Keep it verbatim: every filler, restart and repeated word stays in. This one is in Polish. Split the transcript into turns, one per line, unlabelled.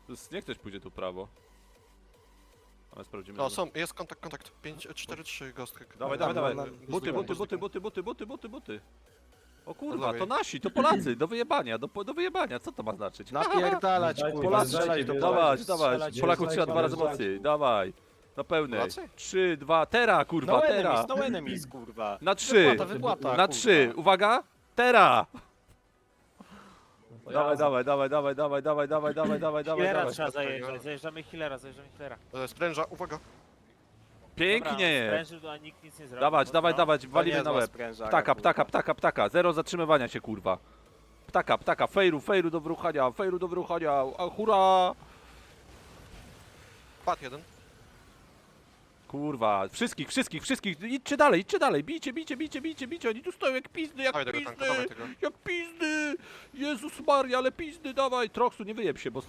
Niech ktoś pójdzie tu prawo. Ale sprawdzimy.
O,
że-
są, jest kontakt, kontakt. pięć, cztery, trzy, gostek.
Dawaj,
Tam,
dawaj,
na-
dawaj.
na-
Buty,
na-
buty,
na-
buty, buty, buty, buty, buty, buty. O kurwa,
lewej.
to nasi, to Polacy, do wyjebania, do, do wyjebania, co to ma znaczyć?
Napierdalać,
Dajcie,
kurwa,
Polacy,
strzelać do
wjeżdżajcie,
Dawać,
Polaków,
dawać,
strzelać.
Polaków
wjeżdżajcie,
trzeba dwa razy
wjeżdżajcie.
mocniej, dawaj. Na pełnej.
Polacy?
Trzy, dwa, tera, kurwa,
No
tera.
enemies, no enemies, kurwa.
Na trzy,
Wypłata, wypłata,
na
kurwa.
trzy, uwaga, tera.
To
Dawaj,
jazda.
dawaj, dawaj, dawaj, dawaj, dawaj, dawaj, dawaj, dawaj, dawaj,
Healera
dawaj.
trzeba zajeżdżać, zajeżdżamy healera, zajeżdżamy healera.
E, Spręża, uwaga.
Pięknie.
Sprężył, a nikt nic nie zrobił.
Dawać,
mocno.
dawać, dawać, walimy
To
na
niezła
łeb.
sprężarka,
Ptaka,
kurwa.
ptaka, ptaka, ptaka, zero zatrzymywania się, kurwa. Ptaka, ptaka, fejru, fejru do wyruchania, fejru do wyruchania, a hura!
Padł jeden.
Kurwa, wszystkich, wszystkich, wszystkich, idźcie dalej, idźcie dalej, bijcie, bijcie, bijcie, bijcie, bijcie, oni tu stoją jak pizdy, jak
Dawaj tego tanka,
pizdy,
dawaj tego.
jak pizdy! Jezus Maria, ale pizdy, dawaj! Troxu, nie wyjeb się, bo